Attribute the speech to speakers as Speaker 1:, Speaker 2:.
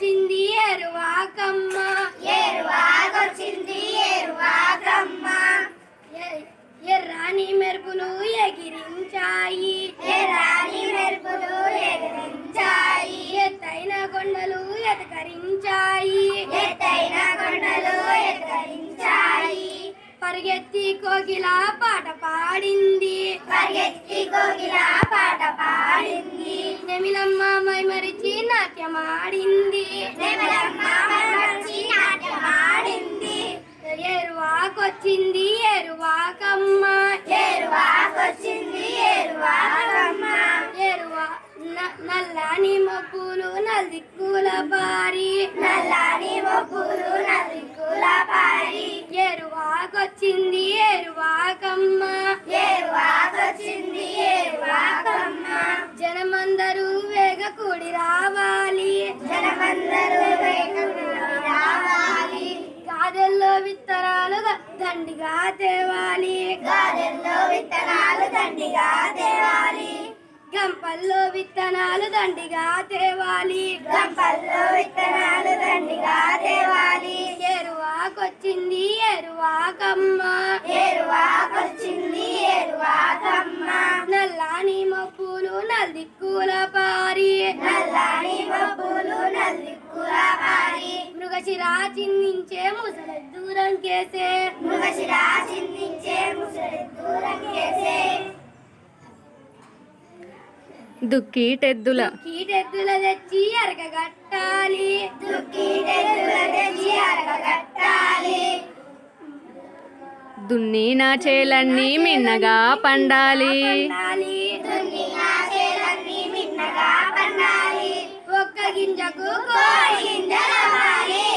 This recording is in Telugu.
Speaker 1: ఏరువాకొచ్చింది ఏరువాకమ్మ
Speaker 2: ఏరువాకొచ్చింది ఏరువాకమ్మ
Speaker 1: ఎర్రాని మెరుపులు ఎగిరించాయి
Speaker 2: ఎర్రాని మెరుపులు ఎగిరించాయి
Speaker 1: ఎత్తైన కొండలు ఎతకరించాయి
Speaker 2: ఎత్తైన కొండలు ఎతకరించాయి
Speaker 1: పరిగెత్తి కోకిల పాట పాడింది
Speaker 2: పరిగెత్తి కోకిల పాట పాడింది
Speaker 1: నెమిలమ్మ మైమరిచి నాట్యమాడింది
Speaker 2: నెమలమ్మ మైమరిచి నాట్యమాడింది
Speaker 1: ఏరువాకొచ్చింది ఏరువాకమ్మ
Speaker 2: ఏరువాకొచ్చింది ఏరువాకమ్మ
Speaker 1: నల్లని మబ్బులు నల్దిక్కుల పారి
Speaker 2: నల్లని మబ్బులు నల్దిక్కుల పారి
Speaker 1: ఏరువాకొచ్చింది ఏరువాకమ్మ
Speaker 2: ఏరువాకొచ్చింది ఏరువాకమ్మ
Speaker 1: జనమందరూ వేగ కూడి రావాలి
Speaker 2: జనమందరూ వేగకూడి రావాలి
Speaker 1: గాదెల్లో విత్తనాలు దండిగా తేవాలి
Speaker 2: గాదెల్లో విత్తనాలు దండిగా తేవాలి
Speaker 1: గంపల్లో విత్తనాలు దండిగా తేవాలి
Speaker 2: గంపల్లో విత్తనాలు దండిగా తేవాలి
Speaker 1: ఏరువాకొచ్చింది ఏరువాకమ్మ
Speaker 2: ఏరువాకొచ్చింది ఏరువాకమ్మ
Speaker 1: నల్లాని మబ్బులు నల్దిక్కుల పారి
Speaker 2: నల్లాని మబ్బులు నల్దిక్కుల పారి
Speaker 1: మృగశిరా చిందించే ముసలి దూరం కేసే
Speaker 2: మృగశిరా చిందించే ముసలి దూరం కేసే
Speaker 3: దుక్కిటెద్దుల
Speaker 1: కీటెద్దుల తెచ్చి అరకగట్టాలి
Speaker 2: దుక్కిటెద్దుల తెచ్చి అరకగట్టాలి
Speaker 3: దున్నిన చేలన్నీ మిన్నగా పండాలి
Speaker 2: దున్నిన చేలన్నీ మిన్నగా పండాలి
Speaker 1: ఒక్క గింజకు
Speaker 2: కోడి గింజలవ్వాలి